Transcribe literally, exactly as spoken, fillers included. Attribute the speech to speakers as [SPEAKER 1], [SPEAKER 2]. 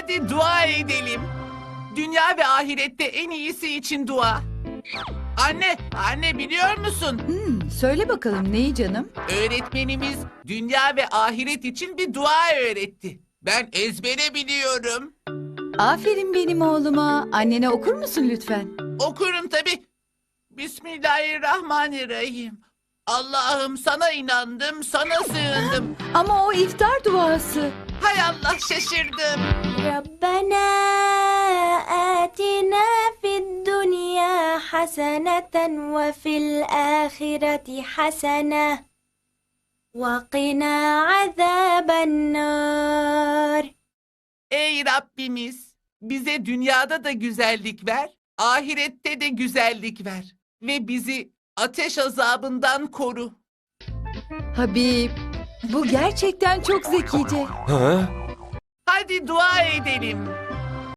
[SPEAKER 1] Hadi dua edelim. Dünya ve ahirette en iyisi için dua. Anne, anne biliyor musun?
[SPEAKER 2] Hmm, söyle bakalım neyi canım?
[SPEAKER 1] Öğretmenimiz dünya ve ahiret için bir dua öğretti. Ben ezbere biliyorum.
[SPEAKER 2] Aferin benim oğluma. Annene okur musun lütfen?
[SPEAKER 1] Okurum tabii. Bismillahirrahmanirrahim. Allah'ım sana inandım, sana sığındım.
[SPEAKER 2] Ama o iftar duası.
[SPEAKER 1] Hay Allah şaşırdım.
[SPEAKER 3] ربنا آتنا في الدنيا حسنة وفي الآخرة حسنة وقنا عذاب النار.
[SPEAKER 1] Ey Rabbimiz, bize dünyada da güzellik ver, ahirette de güzellik ver ve bizi ateş azabından koru.
[SPEAKER 2] Habib, bu gerçekten çok zekice.
[SPEAKER 4] Ha?
[SPEAKER 1] Hadi dua edelim.